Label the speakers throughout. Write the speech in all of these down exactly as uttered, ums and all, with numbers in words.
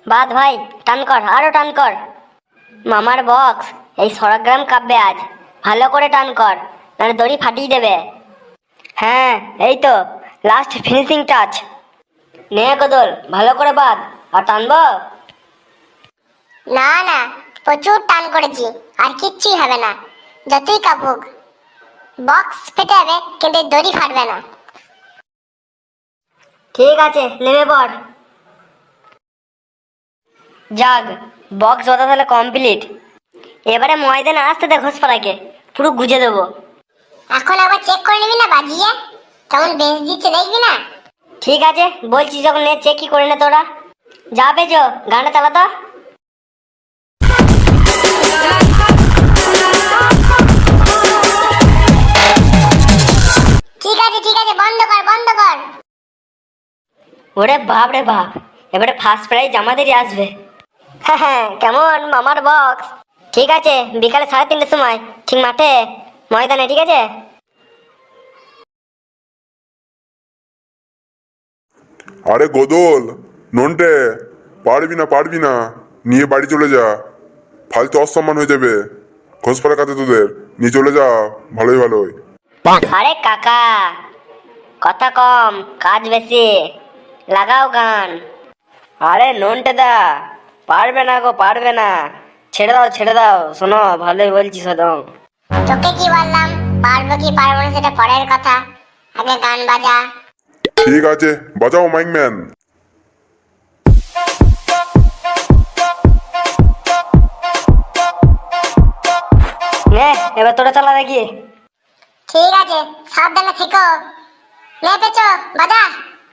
Speaker 1: বাদ ভাই, টান কর, আরো টান কর। মামার বক্স এই সরগ্রাম কাঁপবে আজ, ভালো করে টান কর, নাহলে দড়ি ফাটিয়ে দেবে। হ্যাঁ এই তো লাস্ট ফিনিশিং টাচ। নে কদল, ভালো করে বাঁধ, আর টানবো।
Speaker 2: না না, প্রচুর টান করেছি, আর কিচ্ছুই হবে না। যতই কাঁপুক, বক্স ফেটে যাবে কিন্তু এই দড়ি ফাটবে না।
Speaker 1: ঠিক আছে, নেমে পড়। যাক, বক্স বাঁধা তাহলে কমপ্লিট। এবারে ময়দানে আসতে দে ঘোষপাড়াকে, পুরো গুজে দেবো।
Speaker 2: এখন আবার চেক করে নিবি না বাজিয়ে, কেমন বেঞ্চ দিচ্ছে দেখবি না?
Speaker 1: ঠিক আছে, বলছি যখন নে চেক কি করে নে তোরা। যা পেয়েছো গানটা চালা তো।
Speaker 2: ঠিক আছে ঠিক আছে, বন্ধ কর বন্ধ কর।
Speaker 1: ওরে বাপ রে বাপ, এবারে ফার্স্ট প্রাইজ আমাদেরই আসবে। হ্যাঁ হ্যাঁ, কেমন মামার বক্স? ঠিক আছে, বিকালে সাড়ে তিনটের সময় ঠিক মাঠে ময়দানে, ঠিক আছে?
Speaker 3: আরে গোদল, নন্টে, পারবি না পারবি না, নিয়ে বাড়ি চলে যা, ফালতু অসম্মান হয়ে যাবে ঘোষপাড়ার কাছে তোদের, নিয়ে চলে যা, ভালোই ভালোই।
Speaker 1: আরে কাকা, কথা কম কাজ বেশি, লাগাও গান। আরে নন্টে দা, পারবে না গো পারবে না, ছেড়ে দাও ছেড়ে দাও, শোনো ভালোই বলছি সদম।
Speaker 2: তোকে কি বললাম, পারবো কি পারবো না সেটা পরের কথা, আগে গান বাজা।
Speaker 3: ঠিক আছে, বাজাও মাইক ম্যান।
Speaker 1: নে এবার তোরা চালা দেখি।
Speaker 2: ঠিক আছে, সাবধানে থেকো। নে পেছো বাজা।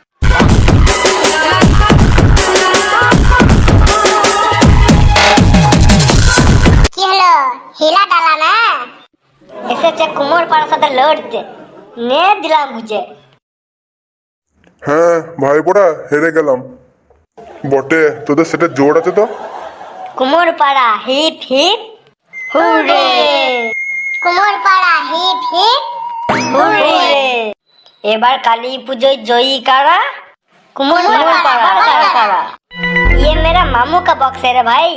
Speaker 2: কি হলো, হিলা ডালা না?
Speaker 1: এসেছে কুমোর পাড়ার সাথে লড়তে, নে দিলাম বুঝে।
Speaker 3: হ্যাঁ ভাইপোরা, হেরে গেলাম বটে, তোদের সেটা জোর আছে তো।
Speaker 1: কুমোর পাড়া হিপ হিপ হুররে,
Speaker 2: কুমোর পাড়া হিপ হিপ
Speaker 1: হুররে। এবার কালী পুজোয় जयी कारा? कुमोर पाड़ा पाड़ा। ये मेरा मामू का बॉक्स है रे भाई,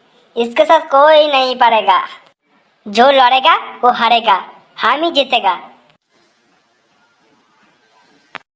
Speaker 1: इसके साथ कोई नहीं पारेगा, जो लड़ेगा वो हारेगा, हम ही जीतेगा।